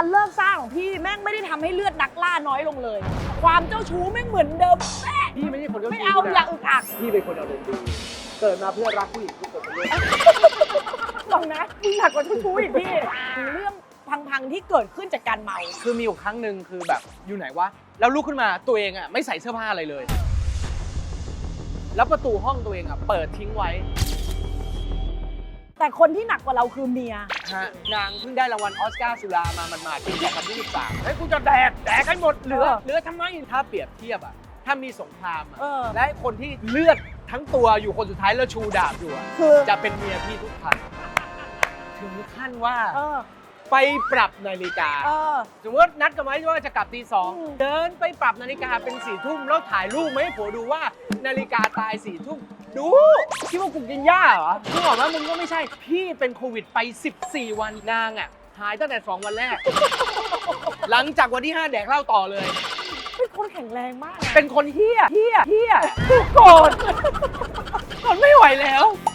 การเลิกสร้างของพี่แม่งไม่ได้ทำให้เลือดนักล่าน้อยลงเลย ความเจ้าชู้แม่งเหมือนเดิมแม่พี่ไม่ใช่คนเจ้าชู้ไม่เอาอย่าอึกอักพี่เป็นคนอารมณ์ดีเกิดมาเพื่อรักผู้หญิงทุกคนเลยลองนะมึงหนักกว่าเจ้าชู้อีกพี่เรื่องพังๆที่เกิดขึ้นจากการเมาคือมีอยู่ครั้งหนึ่งคือแบบอยู่ไหนวะแล้วลุกขึ้นมาตัวเองอ่ะไม่ใส่เสื้อผ้าอะไรเลย แล้วประตูห้องตัวเองอ่ะเปิดทิ้งไว้แต่คนที่หนักกว่าเราคือเมียฮะนางเพิ่งได้รางวัลออสการ์สุรามามันปี2023เฮ้ยกูจะแดกให้หมดเหลือทำไมถ้าเปรียบเทียบอ่ะถ้ามีสงครามอ่ะ และคนที่เลือดทั้งตัวอยู่คนสุดท้ายแล้วชูดาบอยู่อ่ะคือจะเป็นเมียพี่ทุกครั้งถึงขั้นว่าเออไปปรับนาฬิกาเออสมมตินัดกันไว้ว่าจะกลับตีอืม 2เดินไปปรับนาฬิกาเป็น4 ทุ่มแล้วถ่ายรูปมาให้ผัวดูว่านาฬิกาตาย4 ทุ่มดูคิดว่ากูกินหญ้าเหรอมึงบอกว่ามึงก็ไม่ใช่พี่เป็นโควิดไป14 วันนางอ่ะหายตั้งแต่2 วันแรก หลังจากวันที่ 5 แดกเหล้าต่อเลยเป็นคนแข็งแรงมากนะเป็นคนเฮี้ยโกรธทนไม่ไหวแล้ว